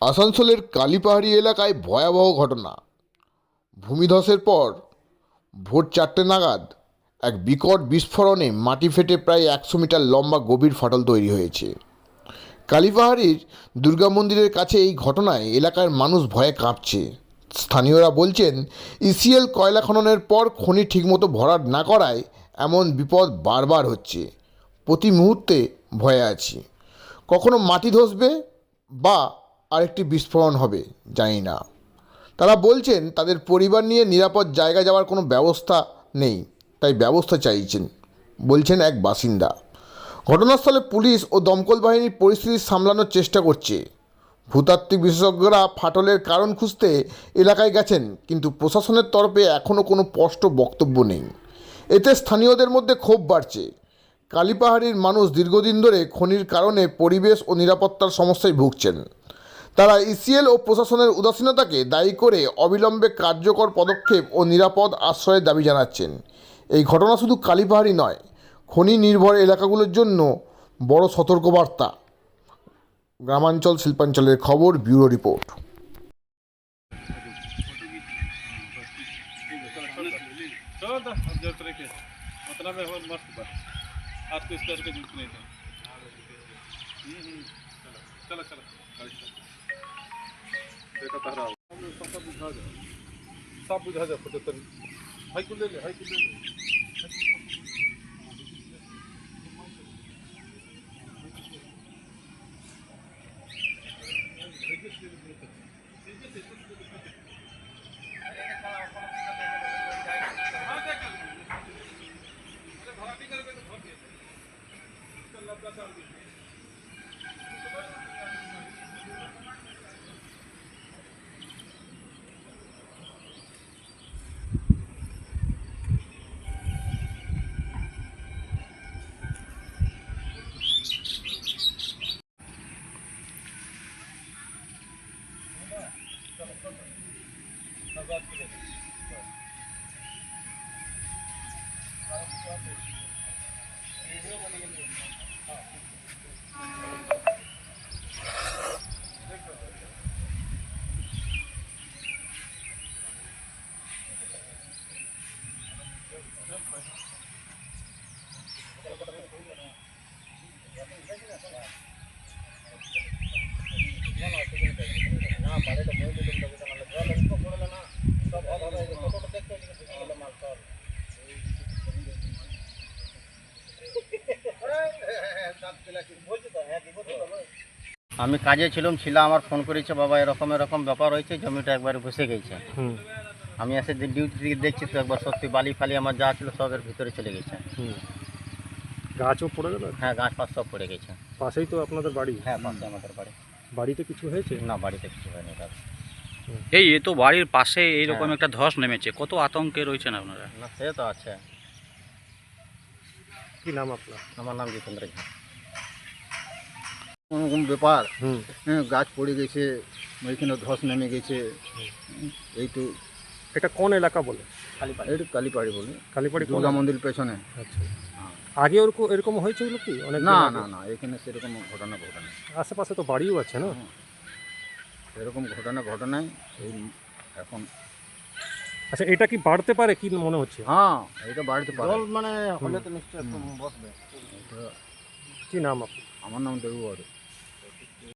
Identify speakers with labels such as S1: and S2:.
S1: আসানসোলের কালীপাহাড়ি এলাকায় ভয়াবহ ঘটনা। ভূমিধসের পর ভোর 4টে নাগাদ এক বিকট বিস্ফোরণে মাটি ফেটে প্রায় 100 মিটার লম্বা গভীর ফাটল তৈরি হয়েছে। কালীপাহাড়ির দুর্গা মন্দিরের কাছে এই ঘটনায় এলাকার মানুষ ভয়ে কাঁপছে। স্থানীয়রা বলছেন, ইসিএল কয়লা খননের পর খনি ঠিকমতো ভরাট না করায় এমন বিপদ বারবার হচ্ছে। প্রতি মুহূর্তে ভয়ে আছি, কখনো মাটি ধসবে বা আরেকটি বিস্ফোরণ হবে, জানি না। তারা বলছেন তাদের পরিবার নিয়ে নিরাপদ জায়গায় যাওয়ার কোনো ব্যবস্থা নেই, তাই ব্যবস্থা চাইছেন, বলছেন এক বাসিন্দা। ঘটনাস্থলে পুলিশ ও দমকল বাহিনী পরিস্থিতি সামলানোর চেষ্টা করছে। ভূতাত্ত্বিক বিশেষজ্ঞরা ফাটলের কারণ খুঁজতে এলাকায় গেছেন, কিন্তু প্রশাসনের তরফে এখনও কোনো স্পষ্ট বক্তব্য নেই। এতে স্থানীয়দের মধ্যে ক্ষোভ বাড়ছে। কালীপাহাড়ির মানুষ দীর্ঘদিন ধরে খনির কারণে পরিবেশ ও নিরাপত্তার সমস্যায় ভুগছেন। তারা ইসিএল ও প্রশাসনের উদাসীনতাকে দায়ী করে অবিলম্বে কার্যকর পদক্ষেপ ও নিরাপদ আশ্রয়ের দাবি জানাচ্ছেন। এই ঘটনা শুধু কালীপাহাড়ি নয়, খনি নির্ভর এলাকাগুলোর জন্য বড় সতর্কবার্তা। গ্রামাঞ্চল শিল্পাঞ্চলের খবর, ব্যুরো রিপোর্ট।
S2: सब बुझा जा फोटो तन हाई को ले ले
S3: আমি কাজে ছিলাম আমার ফোন করেছে, বাবা এরকম এরকম ব্যাপার হয়েছে, জমিটা একবার বসে গেছে। আমি এসে ডিউটি থেকে দেখছি তো একবার সত্যি বালি ফালি আমার যা ছিল সবের ভিতরে চলে গেছে।
S2: গাছও পড়ে গেল?
S3: হ্যাঁ, গাছ ফাছ সব পড়ে গেছে।
S2: পাশেই তো আপনাদের বাড়ি?
S3: হ্যাঁ, পাশে আমাদের বাড়ি।
S2: বাড়িতে কিছু হয়েছে?
S3: না, বাড়িতে কিছু হয়নি।
S4: এ তো বাড়ির পাশে এইরকম একটা ধস নেমেছে, কত আতঙ্কে রয়েছেন আপনারা?
S3: না, সে তো আছে।
S2: কি নাম আপনার?
S3: আমার নাম জিতেন্দ্র ঝা। কোনোরকম ব্যাপার, গাছ পড়ে গেছে, ওইখানে ধস নেমে গেছে, এই তো।
S2: এটা কোন এলাকা বলে?
S3: এটা কালীপাহাড়ি বলে,
S2: কালীপাহাড়ি
S3: দুর্গা মন্দির পেছনে।
S2: আচ্ছা, আগে এরকম হয়েছিল কি? অনেক
S3: না না না, এখানে সেরকম ঘটনা ঘটনা।
S2: আশেপাশে তো বাড়িও আছে না?
S3: এরকম ঘটনায় এই এখন।
S2: আচ্ছা, এটা কি বাড়তে পারে কি মনে হচ্ছে?
S3: হ্যাঁ, এটা বাড়তে পারে। জল মানে হলে তো নিশ্চয়ই বসবে।
S2: কি নাম আপনার?
S3: আমার নাম দেবু।